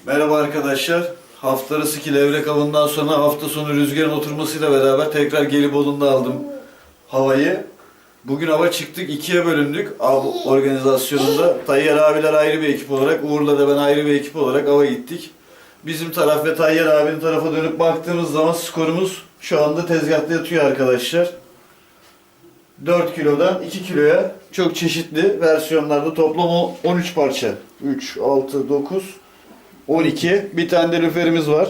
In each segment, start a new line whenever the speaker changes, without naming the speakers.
Merhaba arkadaşlar. Hafta arası ki levrek avından sonra hafta sonu rüzgarın oturmasıyla beraber tekrar Gelibolu'nda aldım havayı. Bugün hava çıktık, ikiye bölündük av organizasyonunda. Tayyar abiler ayrı bir ekip olarak, Uğur'la da ben ayrı bir ekip olarak ava gittik. Bizim taraf ve Tayyar abinin tarafa dönüp baktığımız zaman skorumuz şu anda tezgahta yatıyor arkadaşlar. 4 kilodan 2 kiloya çok çeşitli versiyonlarda toplam 13 parça. 3, 6, 9, 12. Bir tane de lüferimiz var.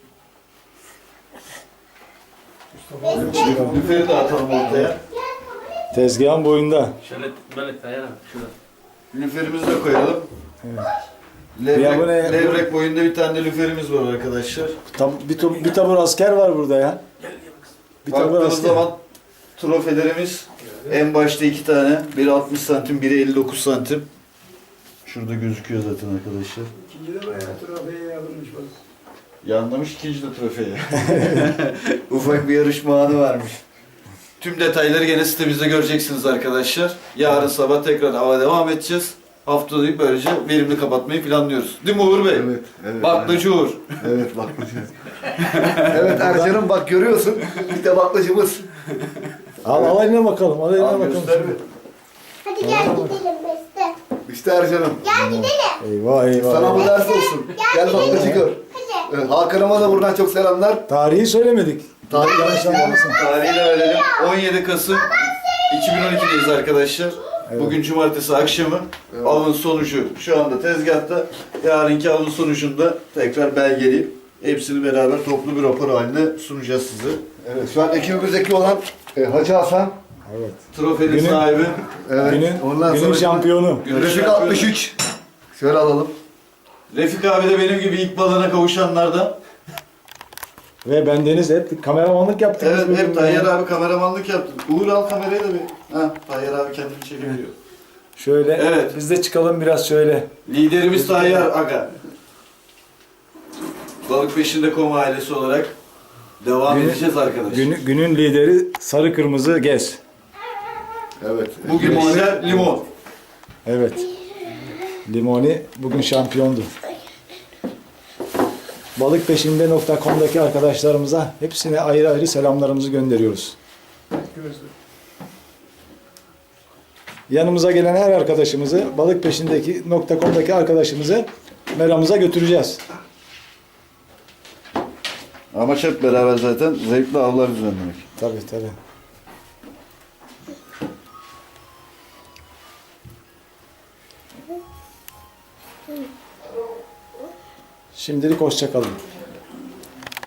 Lüferi de atalım ortaya.
Tezgahın boyunda.
Şöyle böyle dayanam şurada.
Lüferimizi de koyalım.
Evet. Ya bu ne?
Levrek boyunda bir tane de lüferimiz var arkadaşlar.
Bir tabur asker var burada ya. Bir tabur
Baktığınız
asker.
zaman trofelerimiz en başta 2 tane. Biri 60 santim, biri 59 santim. Şurada gözüküyor zaten arkadaşlar.
İkinci de bayağı trofeye yazılmış bak.
Yanlamış ikinci de trofeyi. Ufak bir yarışma anı varmış. Tüm detayları gene sitemizde göreceksiniz arkadaşlar. Yarın sabah tekrar hava devam edeceğiz. Haftayı böylece verimli kapatmayı planlıyoruz. Değil mi Uğur Bey?
Evet.
Baklacı Uğur.
Evet, baklacı. Evet Ercan'ım bak görüyorsun. İşte baklacımız.
Al eline bakalım. Al eline
Al
bakalım.
göster bir.
Hadi gel gidelim Beste.
İşte Ercan'ım.
Gel gidelim.
Eyvah eyvah.
Sana bu
eyvah.
ders olsun. Gel baklacı gör.
Hadi.
Evet, Hakan'ıma da buradan çok selamlar.
Tarihi söylemedik.
Tarih
Yanlış anlamasın.
Tarihi de verelim. 17 Kasım 2012'deyiz arkadaşlar. Bugün cumartesi akşamı. Avın sonucu şu anda tezgahta. Yarınki avın sonucunda tekrar belgeleyip hepsini beraber toplu bir rapor halinde sunacağız size.
Evet, şu an ekibimizdeki olan Hacı Hasan.
Evet.
Trofenin
Günün-
sahibi.
Evet.
Günün şampiyonu.
Günün
Refik
şampiyonu.
63. Şöyle alalım.
Refik abi de benim gibi ilk balığına kavuşanlardan.
Ve bendeniz hep kameramanlık yaptık.
Evet,
biz
hep
bugün
Tayyar
ya.
abi kameramanlık yaptı. Uğur al kamerayı da bir. Ha, Tayyar abi kendini çekebiliyor.
Şöyle
Evet.
biz de çıkalım biraz şöyle.
Liderimiz Tayyar Aga. Balık peşinde koma ailesi olarak devam edeceğiz arkadaşlar.
Günün lideri sarı kırmızı gez.
Evet.
Bugün model limon.
Evet. Limoni bugün şampiyondu. Balıkpeşinde.com'daki arkadaşlarımıza hepsine ayrı ayrı selamlarımızı gönderiyoruz. Yanımıza gelen her arkadaşımızı balıkpeşindeki.com'daki arkadaşımızı meramıza götüreceğiz.
Amaç hep beraber zaten zevkli avlar düzenlemek.
Tabii tabii. Şimdilik hoşça kalın.